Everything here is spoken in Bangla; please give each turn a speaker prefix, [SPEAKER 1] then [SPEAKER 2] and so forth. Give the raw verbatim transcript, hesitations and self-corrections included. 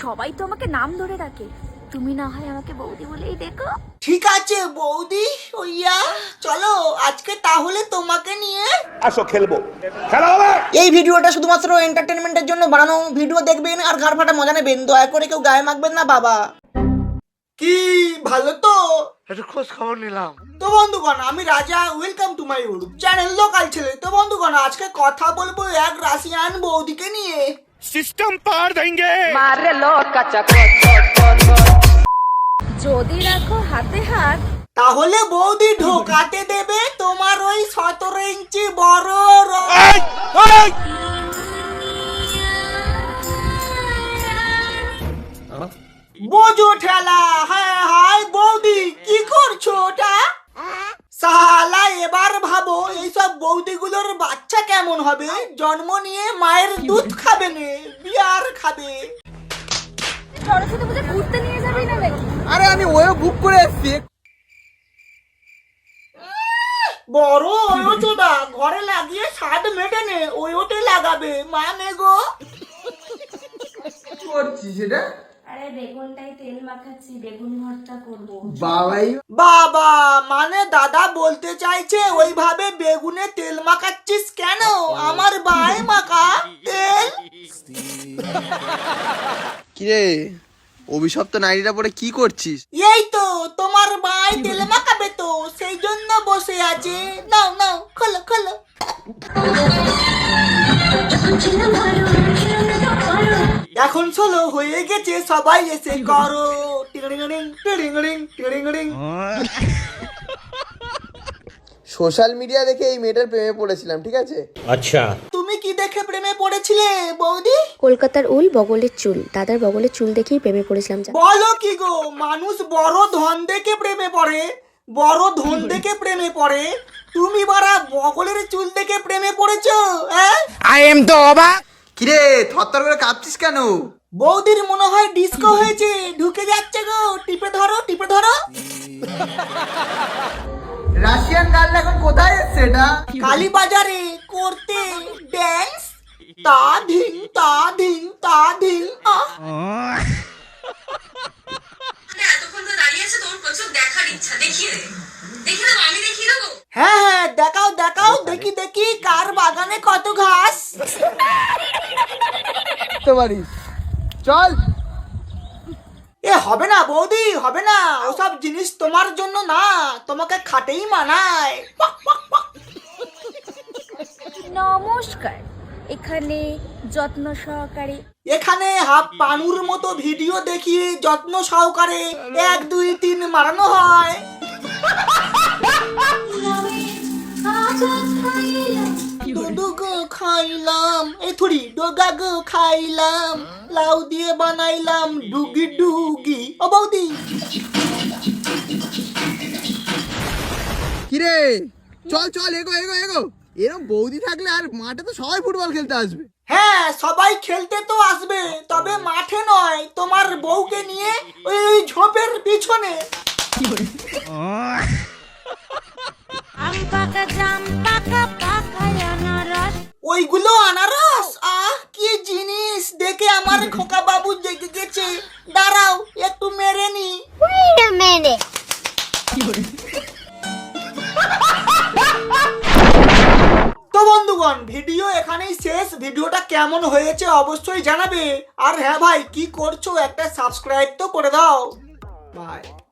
[SPEAKER 1] সবাই তো আমাকে নাম ধরে ডাকে, তুমি না হয় আমাকে বৌদি বলেই দেখো।
[SPEAKER 2] ঠিক আছে বৌদি ওইয়া, চলো আজকে তাহলে তোমাকে নিয়ে
[SPEAKER 3] আসো খেলবো, খেলা হবে।
[SPEAKER 2] এই ভিডিওটা শুধুমাত্র এন্টারটেনমেন্টের জন্য বানানো, ভিডিও দেখবেন আর ঘাড় ফাটা মজা নেবেন, দয়া করে কেউ গায়ে মাখবেন না বাবা। কি ভালো তো,
[SPEAKER 4] একটু খোঁজ খবর নিলাম।
[SPEAKER 2] তো বন্ধুগণ আমি Raja, welcome to my YouTube channel local ছেলে। তো বন্ধুগণ আজকে কথা বলবো এক রাশিয়ান বৌদিকে নিয়ে।
[SPEAKER 3] সিস্টেম পার দেंगे।
[SPEAKER 1] যদি রাখো হাতে হাত,
[SPEAKER 2] তাহলে বৌদি ঢোকাতে দেবে তোমার ওই সতেরো ইঞ্চি বড় র-
[SPEAKER 3] এই, এই!
[SPEAKER 2] বোঝো ঠেলা। হ্যাঁ হাই বৌদি কি করছো ওটা? সালা এবার ভাবো এইসব বৌদিগুলোর বাচ্চা কেমন হবে, জন্ম নিয়ে মায়ের দুধ খাবে না, বিয়ার খাবে।
[SPEAKER 1] সরস্বতী পুজো ঘুরতে নিয়ে যাবেই না নাকি?
[SPEAKER 4] আরে আমি ওয়ে বুক করে এসেছি।
[SPEAKER 2] বড় ওয়োচোদা ঘরে লাগিয়ে স্বাদ মেটে নে, ওয়োতে লাগাবে মানে গো।
[SPEAKER 4] কি করছিস এটা?
[SPEAKER 1] আরে বেগুনটাই তেল মাখাচ্ছি, বেগুন ভর্তা করব।
[SPEAKER 4] বাবাই
[SPEAKER 2] বাবা মানে দাদা বলতে চাইছে ওইভাবে বেগুনে তেল মাখাচ্ছিস কেন? আমার ভাই মাখা তেল।
[SPEAKER 4] কিরে অভিশপ্ত নারীরা পরে কি করছিস?
[SPEAKER 2] এই তো তোমার ভাই তেল মাখাবে তো, সেই জন্য বসে আছে। নাও নাও খোলো খোলো। এখন চলো হয়ে গেছে, সবাই এসে করো টিংরিং টিংরিং টিংরিং।
[SPEAKER 4] সোশ্যাল মিডিয়া দেখে এই মেয়েটার প্রেমে পড়েছিলাম, ঠিক আছে?
[SPEAKER 3] আচ্ছা,
[SPEAKER 2] তুমি কি দেখে প্রেমে পড়েছিলে বৌদি?
[SPEAKER 5] কলকাতার উল বগলের চুল, দাদার বগলের চুল দেখেই প্রেমে পড়েছিলাম।
[SPEAKER 2] বলো কি গো, মানুষ বড় ধন দেখে প্রেমে পড়ে, বড় ধন দেখে প্রেমে পড়ে, তুমি বারা বগলের চুল দেখে প্রেমে পড়েছো? হ্যাঁ
[SPEAKER 4] আই এম তো অবাক। কিরে থরথর করে কাঁপছিস কেন?
[SPEAKER 2] বৌদির মনে হয় ডিস্কো হয়েছে, ঢুকে যাচ্ছে গো, টিপে ধরো টিপে ধরো।
[SPEAKER 4] রাশিয়ান গার্ল এখন কোথায় এসছে এটা?
[SPEAKER 2] কালী বাজারে করতে ড্যান্স, তা ধিং তা ধিং তা ধিং। আহ
[SPEAKER 6] এতক্ষণ তো দাঁড়িয়ে আছে, তোর প্রচুর দেখার ইচ্ছা, দেখিয়ে দে দেখিয়ে দেবো, আমি দেখিয়ে দেবো।
[SPEAKER 2] হ্যাঁ হ্যাঁ দেখাও দেখাও, দেখি দেখি কার বাগানে কত ঘাস।
[SPEAKER 4] তো পারিস, চল।
[SPEAKER 2] এ হবে না বৌদি, হবে না, ওসব জিনিস তোমার জন্য না, তোমাকে খাটেই মানায়।
[SPEAKER 1] নমস্কার, এখানে যত্ন সহকারে
[SPEAKER 2] এখানে হাফ পানুর মতো ভিডিও দেখিয়ে যত্ন সহকারে এক দুই তিন মারানো হয়। ডোগো খাইলাম, এই থুড়ি ডোগা গো খাইলাম, লাউ দিয়ে বানাইলাম ডুগি ডুগি। ও বৌদি
[SPEAKER 4] কিরে চল চল, এগো এগো এগো। এরকম বৌদি থাকলে আর মাঠে তো সবাই ফুটবল খেলতে আসবে।
[SPEAKER 2] হ্যাঁ সবাই খেলতে তো আসবে, তবে মাঠে নয়, তোমার বউকে নিয়ে ওই ঝোপের পিছনে। ওইগুলো আনারস, আহ কি জিনিস, দেখে আমার খোকা বাবু জেগে গেছে, দাঁড়াও একটু মেরে নি। তো বন্ধুগণ ভিডিও এখানেই শেষ। ভিডিওটা কেমন হয়েছে অবশ্যই জানাবে, আর হ্যাঁ ভাই কি করছো, একটা সাবস্ক্রাইব তো করে দাও। বাই।